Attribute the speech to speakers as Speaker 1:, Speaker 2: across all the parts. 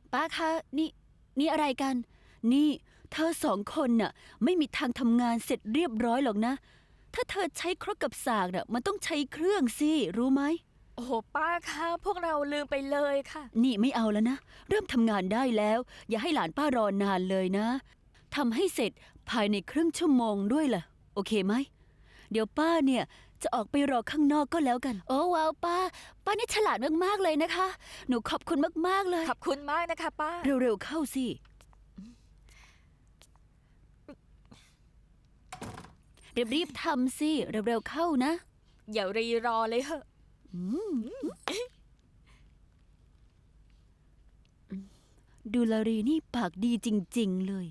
Speaker 1: ป้าคะนี่อะไรกันนี่เธอสองคนน่ะไม่มีทางทำงานเสร็จเรียบร้อยหรอกนะถ้าเธอใช้ครกกับสากน่ะมันต้องใช้เครื่องสิรู้ไหม
Speaker 2: โอ้โหป้าคะพวกเราลืมไปเลยค่ะ
Speaker 1: นี่ไม่เอาแล้วนะเริ่มทำงานได้แล้วอย่าให้หลานป้ารอนานเลยนะทำให้เสร็จภายในครึ่งชั่วโมงด้วยล่ะโอเคไหมเดี๋ยวป้าเนี่ยจะออกไปรอข้างนอกก็แล้วกันโอ้ว้าวป้านี่ฉลาดมากๆเลยนะคะหนูขอบคุณมากๆเลย
Speaker 2: ขอบคุณมากนะคะป้า
Speaker 1: เร็วๆเข้าสิรีบๆทำสิเร็วๆเข้านะ
Speaker 2: อย่ารีรอเลยเหอะ
Speaker 1: ดูลารีนี่ปากดีจริงๆเลย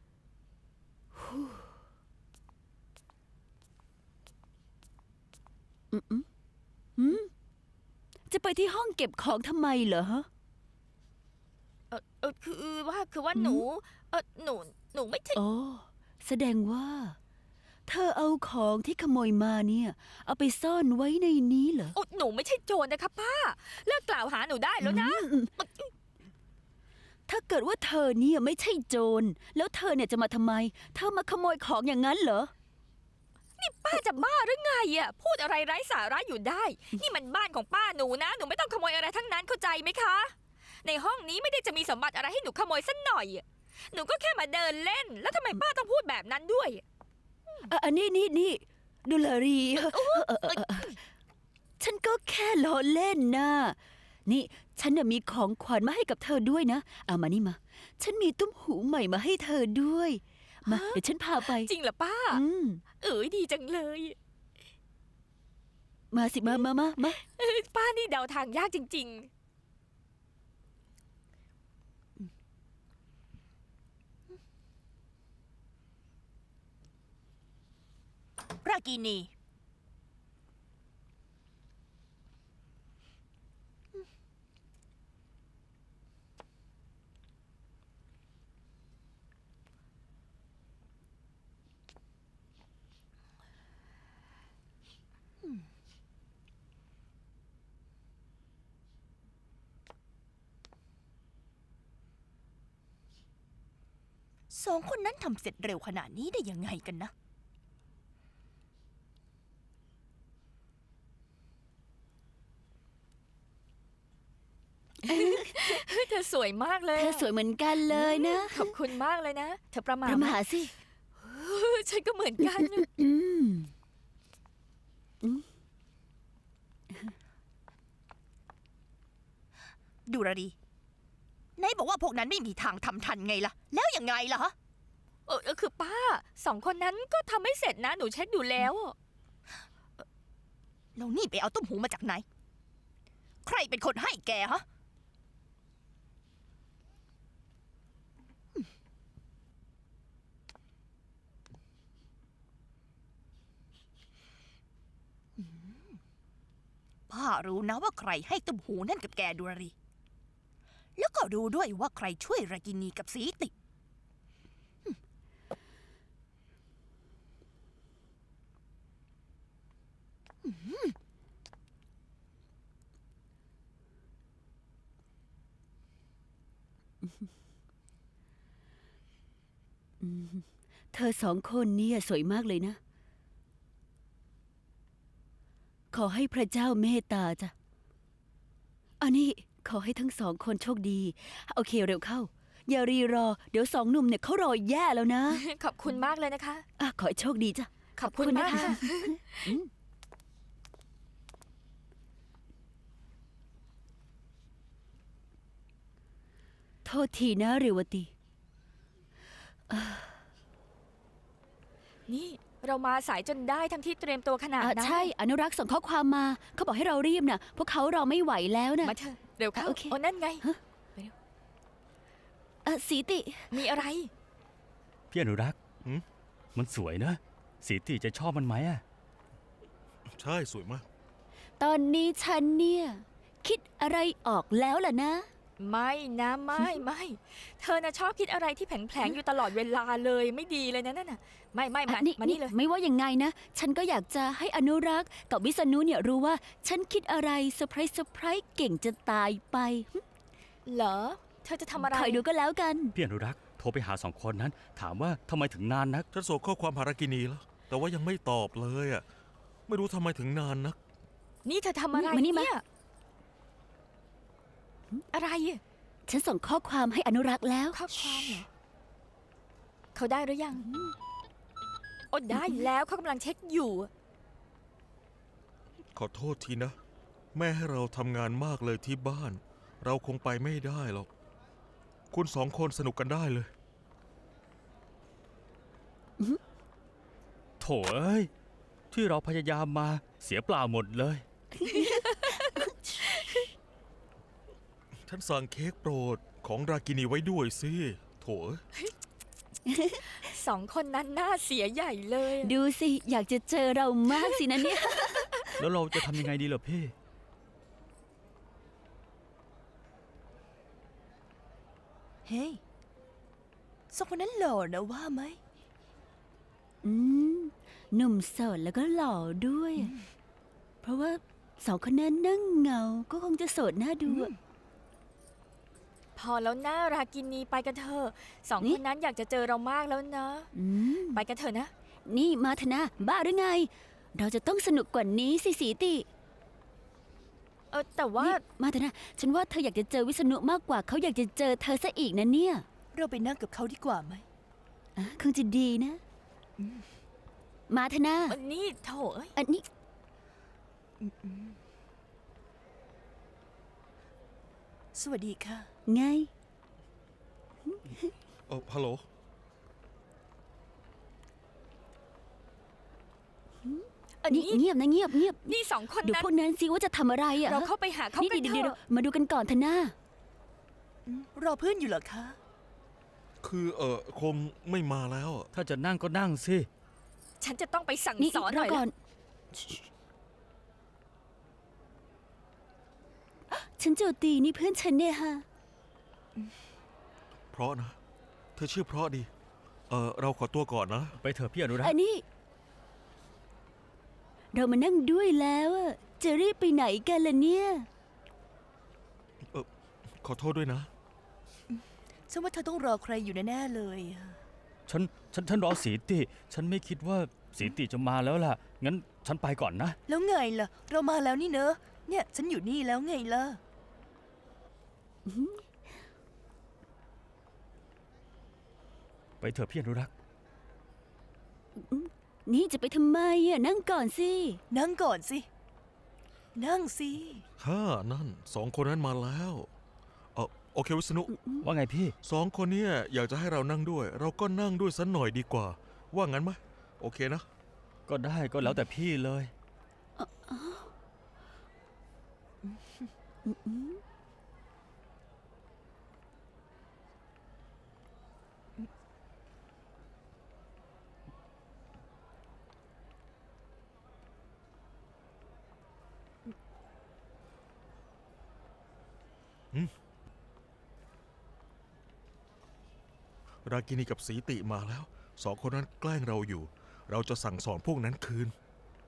Speaker 1: จะไปที่ห้องเก็บของทำไมเหรอฮะ
Speaker 2: คือว่าหนูไม่ใช่
Speaker 1: อ๋อแสดงว่าเธอเอาของที่ขโมยมาเนี่ยเอาไปซ่อนไว้ในนี้เหรอ
Speaker 2: หนูไม่ใช่โจรนะคะป้าเลิกกล่าวหาหนูได้แล้วนะ
Speaker 1: ถ้าเกิดว่าเธอเนี่ยไม่ใช่โจรแล้วเธอเนี่ยจะมาทำไมเธอมาขโมยของอย่างนั้นเหรอ
Speaker 2: นี่ป้าจะบ้าหรือไงอ่ะพูดอะไรไร้สาระอยู่ได้นี่มันบ้านของป้าหนูนะหนูไม่ต้องขโมยอะไรทั้งนั้นเข้าใจไหมคะในห้องนี้ไม่ได้จะมีสมบัติอะไรให้หนูขโมยสักหน่อยหนูก็แค่มาเดินเล่นแล้วทำไมป้าต้องพูดแบบนั้นด้วย
Speaker 1: อันนี้ดูลารีฉันก็แค่ล้อเล่นนะนี่ฉันน่ะมีของขวัญมาให้กับเธอด้วยนะเอามานี่มาฉันมีตุ้มหูใหม่มาให้เธอด้วยมาเดี๋ยวฉันพาไป
Speaker 2: จริงเหรอป้าดีจังเลย
Speaker 1: มาสิมา
Speaker 2: ป้านี่เดาทางยากจริง
Speaker 3: ๆรากินีสองคนนั้นทำเสร็จเร็วขนาดนี้ได้ยังไงกันนะ
Speaker 2: เธอสวยมากเลย
Speaker 1: เธอสวยเหมือนกันเลยนะ
Speaker 2: ขอบคุณมากเลยนะเธอประมาท
Speaker 1: สิ
Speaker 2: ฉันก็เหมือนกัน
Speaker 3: ดูราดีไหนบอกว่าพวกนั้นไม่มีทางทำทันไงล่ะแล้วยังไงล่ะฮะ
Speaker 2: คือป้าสองคนนั้นก็ทำไม่เสร็จนะหนูเช็คดูแล้ว
Speaker 3: แล้วนี่ไปเอาตุ้มหูมาจากไหนใครเป็นคนให้แกฮะป้ารู้นะว่าใครให้ตุ้มหูนั่นกับแกดูราดีแล้วก็รู้ด้วยว่าใครช่วยรากินีกับสีติ
Speaker 1: เธอสองคนเนี่ยสวยมากเลยนะขอให้พระเจ้าเมตตาจ้ะอันนี้ขอให้ทั้งสองคนโชคดีโอเคเร็วเข้าอย่ารีรอเดี๋ยวสองหนุ่มเนี่ยเขารอแย่แล้วนะ
Speaker 2: ขอบคุณมากเลยนะคะ
Speaker 1: ขอให้โชคดีจ้ะ
Speaker 2: ขอบคุณมากค่ะ
Speaker 1: โทษทีนะเรวตี
Speaker 2: นี่เรามาสายจนได้ทั้งที่เตรียมตัวขนาดนั้น
Speaker 1: ใช่อนุรักษ์ส่งข้อความมาเขาบอกให้เรารีบน่ะพวกเขารอไม่ไหวแล้วนะ
Speaker 2: มาเถอะเร็วเข้า
Speaker 1: โอ
Speaker 2: นั่นไง
Speaker 1: ไปเร็วสีติ
Speaker 2: มีอะไร
Speaker 4: พี่อนุรักษ์มันสวยนะสีติจะชอบมันไหม
Speaker 5: ใช่สวยมาก
Speaker 1: ตอนนี้ฉันเนี่ยคิดอะไรออกแล้วล่ะนะ
Speaker 2: ไม่นะไม่เธอน่ะชอบคิดอะไรที่แผลงๆอยู่ตลอดเวลาเลยไม่ดีเลยนะนั่นน่ะไม่มานี่เลย
Speaker 1: ไม่ว่ายังไงนะฉันก็อยากจะให้อนุรักษ์กับวิษณุเนี่ยรู้ว่าฉันคิดอะไรเซอร์ไพรส์เก่งจะตายไป
Speaker 2: เหรอเธอจะทำอะไร
Speaker 1: คอยดูก็แล้วกัน
Speaker 4: พี่อนุรักษ์โทรไปหาสองคนนั้น ถามว่าทำไมถึงนานนัก
Speaker 5: ฉันส่งข้อความหารากินีแล้ว แต่ว่ายังไม่ตอบเลยอ่ะ ไม่รู้ทำไมถึงนานนัก
Speaker 2: นี่เธอทำอะไร
Speaker 1: มานี่มา
Speaker 2: เนี่ยอะไรอะ
Speaker 1: ฉันส่งข้อความให้อนุรักษ์แล้ว
Speaker 2: ข้อความเหรอเขาได้หรือยังโอ้ได้แล้วเขากำลังเช็คอยู่
Speaker 5: ขอโทษทีนะ แม่ให้เราทำงานมากเลยที่บ้าน เราคงไปไม่ได้หรอก คุณสองคนสนุกกันได้เลย
Speaker 4: โถเอ้ย ที่เราพยายามมาเสียเปล่าหมดเลย
Speaker 5: ฉันสั่งเค้กโปรดของรากินีไว้ด้วยสิ โถ
Speaker 2: สองคนนั้นหน้าเสียใหญ่เลยอะ
Speaker 1: ดูสิ อยากจะเจอเรามากสินะเนี่ย
Speaker 4: แล้วเราจะทำยังไงดีล่ะพี่
Speaker 3: เฮ้ยสองคนนั้นหล่อนะว่าไหม
Speaker 1: อืมหนุ่มโสดแล้วก็หล่อด้วย เพราะว่าสองคนนั้นนั่งเหงา ก็คงจะโสดน่าดูอะ
Speaker 2: พอแล้วหน้ารากินีไปกันเถอะสอง
Speaker 1: นี่
Speaker 2: คนนั้นอยากจะเจอเรามากแล้วนะ
Speaker 1: อืม
Speaker 2: ไปกันเถอะนะ
Speaker 1: นี่มาธนาบ้าหรือไง เราจะต้องสนุกกว่านี้สิสีติ
Speaker 2: แต่ว่า
Speaker 1: นี่มาธนาฉันว่าเธออยากจะเจอวิษณุมากกว่าเขาอยากจะเจอเธอซะอีกนะเนี่ย
Speaker 3: เราไปนั่งกับเขาดีกว่าไหม
Speaker 1: อ่ะคงจะดีนะ มาธนา
Speaker 2: อันนี้โถเอ้ย
Speaker 1: อันนี้
Speaker 3: สวัสดีค่ะ
Speaker 1: ไง
Speaker 5: ฮัลโหล
Speaker 2: อัน
Speaker 1: นี่
Speaker 2: นี้
Speaker 1: เงียบนะเงียบเงียบ
Speaker 2: นี่สองคน
Speaker 1: เดี๋ยว
Speaker 2: นั้น
Speaker 1: พวกนั้นสิว่าจะทำอะไรอ่ะ
Speaker 2: เราเข้าไปหาเขา
Speaker 1: นี่
Speaker 2: กัน
Speaker 1: เดี๋ยว
Speaker 2: เถ
Speaker 1: เดี๋ยว
Speaker 2: อะ
Speaker 1: มาดูกันก่อนธนา
Speaker 3: รอเพื่อนอยู่เหรอคะ
Speaker 5: คือคงไม่มาแล้วอะ
Speaker 4: ถ้าจะนั่งก็นั่งสิ
Speaker 2: ฉันจะต้องไปสั่ง
Speaker 1: นี่
Speaker 2: สอนห
Speaker 1: ร
Speaker 2: น่
Speaker 1: อ
Speaker 2: อย
Speaker 1: ก่อ
Speaker 2: ละ
Speaker 1: น ฉันโจตีนี่เพื่อนฉันเนี่ยฮะ
Speaker 5: เพราะนะ เธอชื่อเพราะดี เราขอตัวก่อนนะ
Speaker 4: ไปเถอะพี่อนุรัก
Speaker 1: อั
Speaker 4: ษ์
Speaker 1: นนี้ เรามานั่งด้วยแล้วอะจะรีบไปไหนกันล่ะเนี่ย
Speaker 5: ขอโทษด้วยนะ
Speaker 3: ฉันว่าเธอต้องรอใครอยู่แน่ๆเลยอะ
Speaker 4: ฉันรอสีติ ฉันไม่คิดว่าสีติจะมาแล้วล่ะ งั้นฉันไปก่อนนะ
Speaker 3: แล้วไงล่ะ เรามาแล้วนี่เนอะ เนี่ยฉันอยู่นี่แล้วไงล่ะ
Speaker 4: ไปเถอะพี่อนุรักษ์
Speaker 1: นี่จะไปทำไมอะนั่งก่อนสิ
Speaker 3: นั่งก่อนสิ นั่งสิ
Speaker 5: นั่นสองคนนั้นมาแล้วโอเควิษณุ
Speaker 4: ว่าไงพี่
Speaker 5: สองคนเนี้อยากจะให้เรานั่งด้วย เราก็นั่งด้วยสักหน่อยดีกว่า ว่างั้นไหมโอเคนะ
Speaker 4: ก็ได้ก็แล้วแต่พี่เลย
Speaker 5: รากินีกับสีติมาแล้ว สองคนนั้นแกล้งเราอยู่ เราจะสั่งสอนพวกนั้นคืน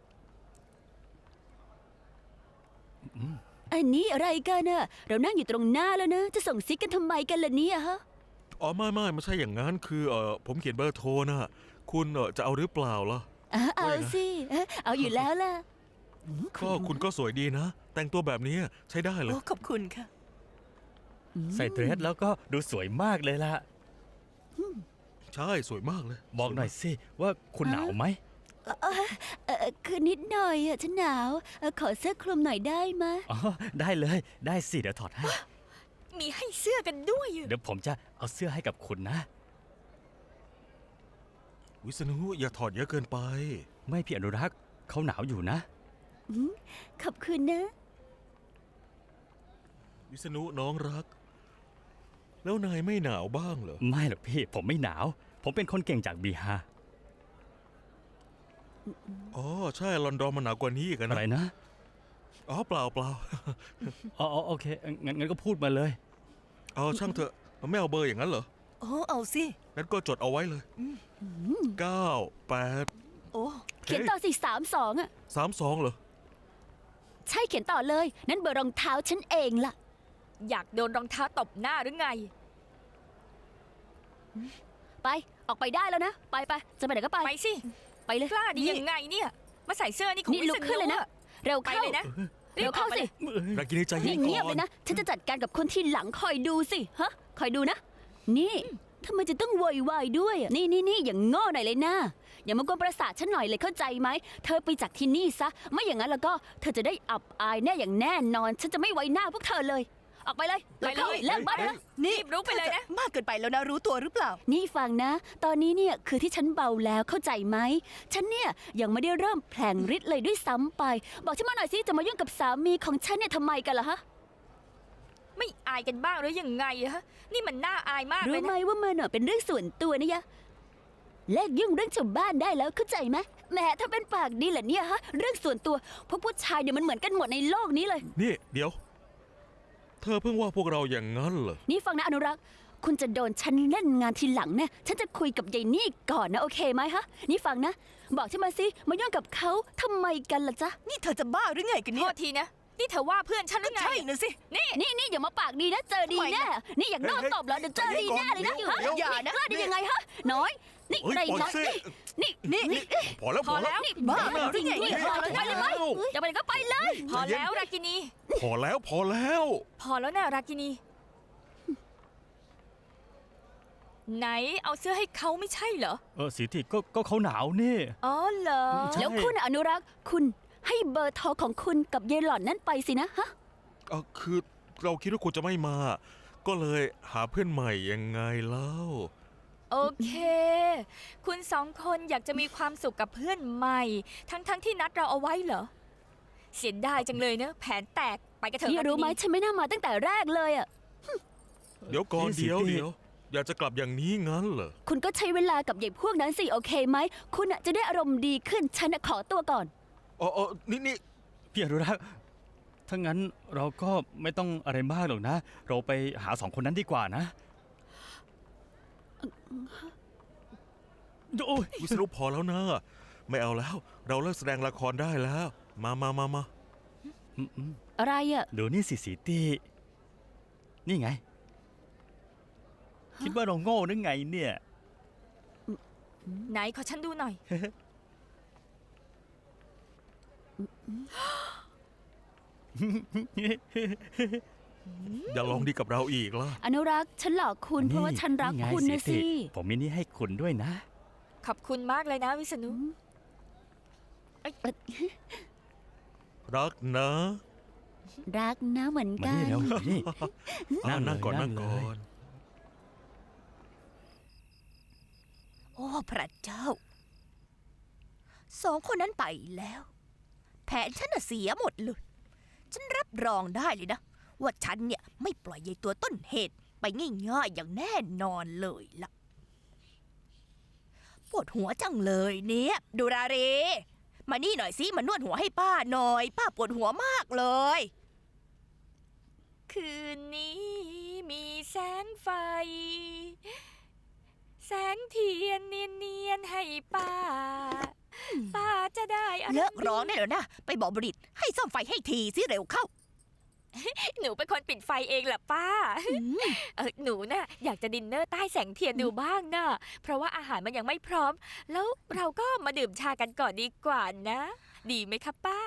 Speaker 1: อันนี้อะไรกันอะเรานั่งอยู่ตรงหน้าแล้วนะ จะส่งซิกกันทำไมกันล่ะเนี่ยฮะ
Speaker 5: ไม่ใช่อย่างนั้น คือผมเขียนเบอร์โทรนะคุณจะเอาหรือเปล่าล่ะ
Speaker 1: เอา
Speaker 5: ว่ายังไง
Speaker 1: สิเอาอยู่แล้วล่ะ
Speaker 5: ก็คุณก็สวยดีนะ แต่งตัวแบบนี้ใช้ได้เลย
Speaker 3: โอ้ขอบคุณค่ะ
Speaker 4: ใส่เดรสแล้วก็ดูสวยมากเลยล่ะ
Speaker 5: ใช่สวยมากเลย
Speaker 4: บอกหน่อยสิว่าคุณหนาวไหม
Speaker 1: คือนิดหน่อยอะฉันหนาวขอเสื้อคลุมหน่อยได้ไหมะ
Speaker 4: อ๋อ ได้เลย ได้สิ เดี๋ยวถอดให้
Speaker 2: มีให้เสื้อกันด้วยอะ
Speaker 4: เดี๋ยวผมจะเอาเสื้อให้กับคุณนะ
Speaker 5: วิษณุอย่าถอดเยอะเกินไป
Speaker 4: ไม่พี่อนุรักษ์เขาหนาวอยู่นะ
Speaker 1: ขอบคุณนะ
Speaker 5: วิษณุน้องรัก แล้วนายไม่หนาวบ้างเหรอ
Speaker 4: ไม่หรอกพี่ ผมไม่หนาว ผมเป็นคนเก่งจากบีฮา
Speaker 5: อ๋อใช่ลอนดอนมันหนาวกว่านี้อีก
Speaker 4: อะไร
Speaker 5: นะ
Speaker 4: นะ
Speaker 5: อ๋อเปล่า
Speaker 4: อ๋อโอเค งั้นก็พูดมาเลย
Speaker 5: เอาช่างเถอะไม่เอาเบอร์อย่างนั้นเหรอ
Speaker 3: โอ้เอาสิ
Speaker 5: งั้นก็จดเอาไว้เลย9 8
Speaker 3: โอ้
Speaker 1: เขียนต่อสิ32อะ
Speaker 5: 3 2เหรอ
Speaker 1: ใช่เขียนต่อเลย นั่นเบอร์รองเท้าฉันเองล่ะ
Speaker 2: อยากโดนรองเท้าตบหน้าหรือไง
Speaker 1: ไปออกไปได้แล้วนะ ไปจะไปไหนก็ไป
Speaker 2: ไปสิ
Speaker 1: ไปเลย
Speaker 2: กล้าดี
Speaker 1: นี่
Speaker 2: ยังไงเนี่ย มาใส่เสื้อนี่ของ
Speaker 1: นี่
Speaker 2: วิ
Speaker 1: ลุ
Speaker 2: ษ
Speaker 1: กขึ้น
Speaker 2: ณุ
Speaker 1: เลยนะ
Speaker 2: อะ
Speaker 1: เร็ว
Speaker 2: ไป
Speaker 1: เข้า
Speaker 2: เลยนะ
Speaker 1: เร็วเข้า
Speaker 2: รีบออกไป
Speaker 1: สิ
Speaker 2: เลย
Speaker 5: รากินีใจเย็
Speaker 1: นี่
Speaker 5: น
Speaker 1: เงียบ
Speaker 5: ก่อ
Speaker 1: เล
Speaker 5: น
Speaker 1: ยนะ ฉันจะจัดการกับคนที่หลังคอยดูสิฮะคอยดูนะ นี่ทำไมจะต้องโวยวายด้วยอะนี่อย่างโง่หน่อยเลยนะอย่ามากวนประสาทฉันหน่อยเลยเข้าใจไหมเธอไปจากที่นี่ซะไม่อย่างนั้นแล้วก็เธอจะได้อับอายแน่อย่างแน่นอน ฉันจะไม่ไว้หน้าพวกเธอเลย ออกไปเลย
Speaker 2: ไปเลย
Speaker 1: เลิกบ้านนะ
Speaker 2: รีบลุกไปเลยนะ
Speaker 3: มากเกินไปแล้วนะรู้ตัวหรือเปล่า
Speaker 1: นี่ฟังนะ ตอนนี้เนี่ยคือที่ฉันเบาแล้วเข้าใจไหม ฉันเนี่ยยังไม่ได้เริ่มแผลงฤทธิ์เลยด้วยซ้ำไป บอกฉันมาหน่อยสิจะมายุ่งกับสามีของฉันเนี่ยทำไมกันล่ะฮะ
Speaker 2: ไม่อายกันบ้างหรือยังไงอะฮะ นี่มันน่าอายมากเล
Speaker 1: รู้
Speaker 2: ย
Speaker 1: ไหม
Speaker 2: นะ
Speaker 1: ว่ามันเป็นเรื่องส่วนตัวนะยะเลิกยุ่งเรื่องชาวบ้านได้แล้วเข้าใจไหมแหมถ้าเป็นปากดีเหรอเนี่ยฮะ เรื่องส่วนตัวพวกผู้ชายเนี่ยมันเหมือนกันหมดในโลกนี้เลย
Speaker 5: นี่เดี๋ยว เธอเพิ่งว่าพวกเราอย่างนั้นเหรอ
Speaker 1: นี่ฟังนะอนุรักษ์ คุณจะโดนฉันเล่นงานทีหลังเนี่ยฉันจะคุยกับยายนี่ก่อนนะโอเคไหมฮะ นี่ฟังนะ บอกฉันมาสิมายุ่งกับเขาทำไมกันล่ะจ๊ะ
Speaker 3: นี่เธอจะบ้าหรือไงกัน
Speaker 2: โท
Speaker 3: เนี่ย
Speaker 2: ษทีนะ นี่เธอว่าเพื่อนฉันหรือไง
Speaker 3: ใช่นะสิ
Speaker 1: นี่อย่ามาปากดีนะเจอดีแน่นี่อย่างโดน
Speaker 5: เฮ้ย
Speaker 1: ตบแล้วเดี๋ยวเจอดีแน่เลยนะ
Speaker 5: เดี๋ยว
Speaker 1: ฮะ
Speaker 5: เดี๋ยว
Speaker 1: อย่านะกล้าได้ยังไงฮะน้อยนี่
Speaker 5: เฮ้ย
Speaker 1: ไร
Speaker 5: ปล่อย
Speaker 1: นะ
Speaker 5: สิ
Speaker 1: นี่
Speaker 5: พอแล้ว
Speaker 2: พอแล้ว
Speaker 1: นี่
Speaker 3: บ้า
Speaker 1: จริง
Speaker 3: หรือไง
Speaker 1: นี่พอแล้วไปเลยไหมจะไปไหนก็ไปเลย
Speaker 2: พอแล้วรากินี
Speaker 5: พอแล้วพอแล้ว
Speaker 2: พอแล้วนะรากินี ไหนเอาเสื้อให้เขาไม่ใช่เหรอ
Speaker 4: สีติก็เขาหนาวนี่
Speaker 2: อ๋อเหรอ
Speaker 4: ใช่
Speaker 1: แล้วคุณอนุรักษ์คุณให้เบอร์โทรของคุณกับยายหล่อนนั่นไปสินะฮะ
Speaker 5: คือเราคิดว่าคุณจะไม่มา ก็เลยหาเพื่อนใหม่ยังไงเล่า
Speaker 2: โอเค คุณสองคนอยากจะมีความสุขกับเพื่อนใหม่ ทั้งที่นัดเราเอาไว้เหรอ เสียดายจังเลยเนอะแผนแตกไปกันเถอะ
Speaker 1: นี่รู้ไหม
Speaker 2: รากินี
Speaker 1: ฉันไม่น่ามาตั้งแต่แรกเลยอ่ะ
Speaker 5: เดี๋ยวก่อน
Speaker 4: นี่สิ
Speaker 5: เดี๋ยว
Speaker 4: พี่
Speaker 5: เดี๋ยวอยากจะกลับอย่างนี้งั้นเหรอ
Speaker 1: คุณก็ใช้เวลากับยายพวกนั้นสิโอเคไหมคุณอะจะได้อารมณ์ดีขึ้นฉันอะขอตัวก่อน
Speaker 5: อ๋อนี่
Speaker 4: พี่อนุรักษ์ถ้างั้นเราก็ไม่ต้องอะไรมากหรอกนะ เราไปหาสองคนนั้นดีกว่านะโอ้ย
Speaker 5: วิศนุพอแล้วนะ ไม่เอาแล้ว เราเลิกแสดงละครได้แล้ว มา
Speaker 1: อะไรอ่ะ
Speaker 4: ดูนี่สิสีตีนี่ไง คิดว่าเราโง่หรือไงเนี่ย
Speaker 2: ไหนขอฉันดูหน่อย
Speaker 5: อย่าลองดีกับเราอีกล่ะ
Speaker 1: อนุรักษ์ฉันหลอกคุณเพราะว่าฉันรัก
Speaker 4: ไง
Speaker 1: คุณนะ
Speaker 4: ติ
Speaker 1: สิ
Speaker 4: ผมมีนี่ให้คุณด้วยนะ
Speaker 2: ขอบคุณมากเลยนะวิษณุ
Speaker 5: รักนะ
Speaker 1: รักนะเหมือน
Speaker 4: มา
Speaker 1: กั
Speaker 4: นี่
Speaker 1: น
Speaker 4: เร็วนี่
Speaker 5: นั่งก่อน
Speaker 4: นั่
Speaker 5: นั่
Speaker 4: ง
Speaker 5: ง
Speaker 4: เลย
Speaker 5: ก่อน
Speaker 3: โอ้พระเจ้า สองคนนั้นไปแล้ว แผนฉันน่ะเสียหมดเลย ฉันรับรองได้เลยนะ ว่าฉันเนี่ยไม่ปล่อยยายตัวต้นเหตุไปง่ายๆอย่างแน่นอนเลยล่ะ ปวดหัวจังเลยเนี่ยดูราเร มานี่หน่อยสิมานวดหัวให้ป้าหน่อย ป้าปวดหัวมากเลย
Speaker 2: คืนนี้มีแสงไฟ แสงเทียนเนียนๆให้ป้า ป้าจะได้อะไร
Speaker 3: เลิกร้องได้แล้วนะ ไปบอกบริษให้ซ่อมไฟให้ทีสิเร็วเข้า
Speaker 2: หนูเป็นคนปิดไฟเองแหละป้า หนูน่ะอยากจะดินเนอร์ใต้แสงเทียนดูบ้างน่ะ เพราะว่าอาหารมันยังไม่พร้อม แล้วเราก็มาดื่มชากันก่อนดีกว่านะ ดีไหมคะป้า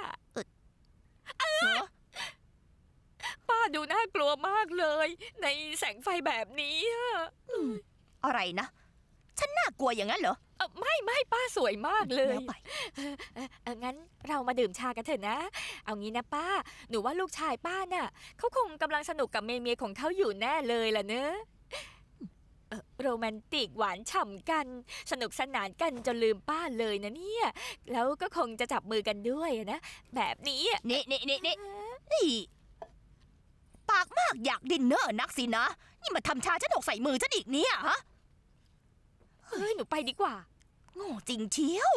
Speaker 2: ป้าดูน่ากลัวมากเลย ในแสงไฟแบบนี้อะ
Speaker 3: อะไรนะ ฉันน่ากลัวอย่างนั้นเหรอ
Speaker 2: ไม่ป้าสวยมากเลย
Speaker 3: แล้วไป
Speaker 2: งั้นเรามาดื่มชากันเถอะนะ เอางี้นะป้า หนูว่าลูกชายป้าน่ะเขาคงกำลังสนุกกับเมียของเขาอยู่แน่เลยล่ะเนอะโรแมนติกหวานฉ่ำกัน สนุกสนานกันจนลืมป้าเลยนะเนี่ย แล้วก็คงจะจับมือกันด้วยนะ แบบนี้อะ
Speaker 3: นี่ปากมากอยากดินเนอร์นักสินะ นี่มาทำชาฉันหกใส่มือฉันอีกเนี่ยฮะ
Speaker 2: เฮ้ยหนูไปดีกว่า
Speaker 3: โง่จริงเชียว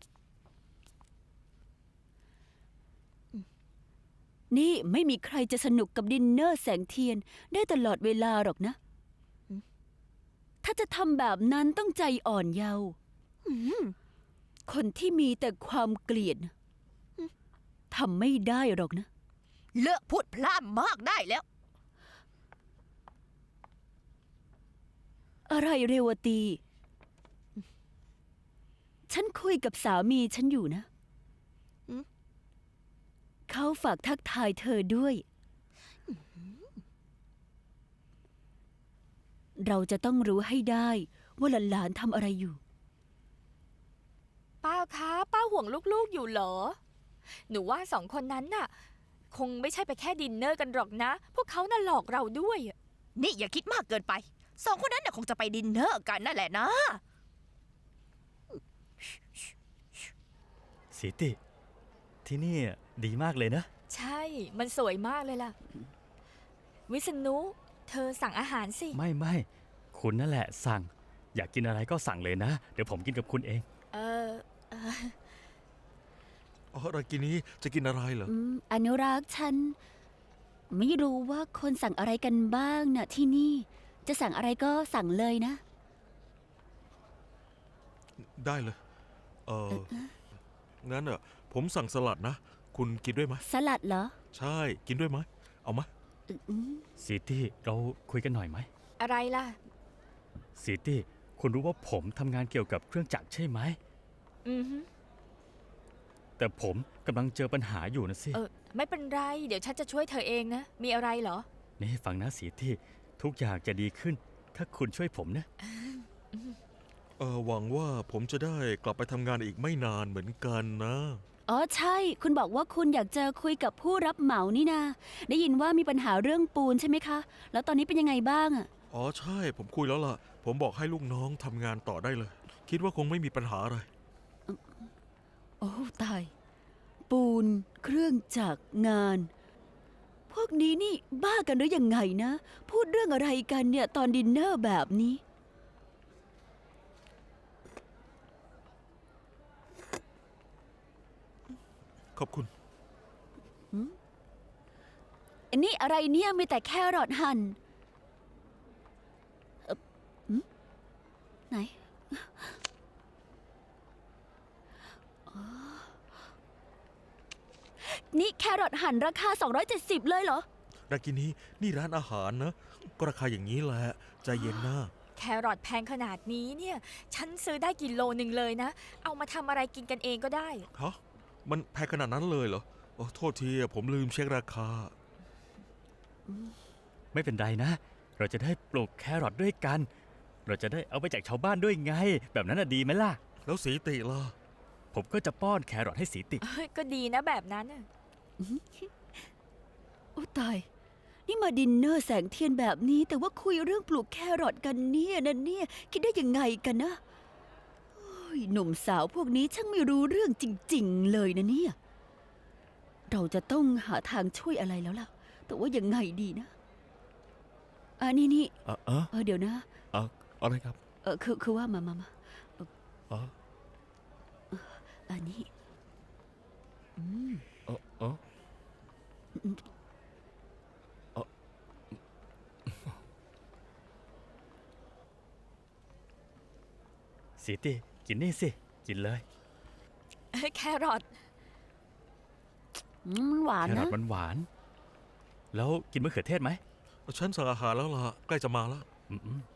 Speaker 1: นี่ไม่มีใครจะสนุกกับดินเนอร์แสงเทียนได้ตลอดเวลาหรอกนะ ถ้าจะทำแบบนั้นต้องใจอ่อนเยาว์
Speaker 3: อืม
Speaker 1: คนที่มีแต่ความเกลียดนะทำไม่ได้หรอกนะ
Speaker 3: เลิกพูดพล่ามากได้แล้ว
Speaker 1: อะไรเรวตี ฉันคุยกับสามีฉันอยู่นะ เขาฝากทักทายเธอด้วย เราจะต้องรู้ให้ได้ว่าหลานๆทำอะไรอยู่
Speaker 2: ป้าคะป้าห่วงลูกๆอยู่เหรอ หนูว่าสองคนนั้นน่ะ คงไม่ใช่ไปแค่ดินเนอร์กันหรอกนะ พวกเขาน่ะหลอกเราด้วยอะ
Speaker 3: นี่อย่าคิดมากเกินไป สองคนนั้นน่ะคงจะไปดินเนอร์กันนั่นแหละนะ
Speaker 4: สีติ ที่นี่ดีมากเลยนะ
Speaker 2: ใช่ มันสวยมากเลยล่ะ วิษณุเธอสั่งอาหารสิ
Speaker 4: ไม่คุณนั่นแหละสั่ง อยากกินอะไรก็สั่งเลยนะ เดี๋ยวผมกินกับคุณเอง
Speaker 2: เออ
Speaker 5: อ๋อรากินีจะกินอะไรเหรอ
Speaker 1: อนุรักษ์ฉัน ไม่รู้ว่าคนสั่งอะไรกันบ้างนะที่นี่ จะสั่งอะไรก็สั่งเลยนะ
Speaker 5: ได้เลย งั้นผมสั่งสลัดนะ คุณกินด้วยไหม
Speaker 1: สลัดเหรอ
Speaker 5: ใช่ กินด้วยไหม เอาไหม
Speaker 1: อืม
Speaker 4: สีตี้เราคุยกันหน่อยไหม
Speaker 2: อะไรล่ะ
Speaker 4: สีตี้คุณรู้ว่าผมทำงานเกี่ยวกับเครื่องจักรใช่ไหม
Speaker 2: อือฮึ
Speaker 4: แต่ผมกำลังเจอปัญหาอยู่นะสิ
Speaker 2: ไม่เป็นไร เดี๋ยวฉันจะช่วยเธอเองนะ มีอะไรเหรอ
Speaker 4: นี่ฟังนะสีตี้ทุกอย่างจะดีขึ้น ถ้าคุณช่วยผมนะ
Speaker 5: หวังว่าผมจะได้กลับไปทำงานอีกไม่นานเหมือนกันนะ
Speaker 1: อ๋อใช่ คุณบอกว่าคุณอยากจะคุยกับผู้รับเหมานี่นา ได้ยินว่ามีปัญหาเรื่องปูนใช่ไหมคะ แล้วตอนนี้เป็นยังไงบ้างอะ
Speaker 5: อ๋อใช่ ผมคุยแล้วล่ะ ผมบอกให้ลูกน้องทำงานต่อได้เลย คิดว่าคงไม่มีปัญหาอะไร
Speaker 1: โอ้ตาย ปูน เครื่องจักรงาน พวกนี้นี่บ้ากันหรือยังไงนะ พูดเรื่องอะไรกันเนี่ยตอนดินเนอร์แบบนี้
Speaker 5: ขอบคุณ
Speaker 1: อันนี้อะไรเนี่ยมีแต่แครอทหั่นไหนอ๋อนี่แครอทหั่นราคา 270 เลยเหรอ
Speaker 5: รากินีนี่ร้านอาหารนะ ก็ราคาอย่างนี้แหละ ใจเย็นนะ
Speaker 2: แครอทแพงขนาดนี้เนี่ย ฉันซื้อได้กิโลหนึ่งเลยนะ เอามาทำอะไรกินกันเองก็ได้
Speaker 5: ฮะ มันแพงขนาดนั้นเลยเหรอโอ้โทษทีผมลืมเช็คราคา
Speaker 4: ไม่เป็นไรนะ เราจะได้ปลูกแครอทด้วยกัน เราจะได้เอาไปแจกชาวบ้านด้วยไง แบบนั้นน่ะดีไหมล่ะ
Speaker 5: แล้วสีติล่ะ
Speaker 4: ผมก็จะป้อนแครอทให้สีติ
Speaker 2: ก็ดีนะแบบนั้นน่ะ
Speaker 1: โอ้ตาย นี่มาดินเนอร์แสงเทียนแบบนี้ แต่ว่าคุยเรื่องปลูกแครอทกันเนี่ยนะเนี่ยคิดได้ยังไงกันนะโอ้ยหนุ่มสาวพวกนี้ช่างไม่รู้เรื่องจริง ๆ เลยนะเนี่ย เราจะต้องหาทางช่วยอะไรแล้วล่ะ แต่ว่ายังไงดีนะนี่เดี๋ยวนะ
Speaker 5: อะไรครับ
Speaker 1: คือว่ามา
Speaker 5: อ๋อ
Speaker 1: อันนี้
Speaker 5: อ๋อ
Speaker 4: สีติกินนี่สิ กินเลย
Speaker 2: แครอท
Speaker 1: หวาน
Speaker 4: แครอ
Speaker 1: นะ
Speaker 4: ทหวานๆแล้วกินมะเขือเทศไหม
Speaker 5: ฉันสั่งอาหารแล้วล่ะ ใกล้จะมาแล้ว
Speaker 4: อืม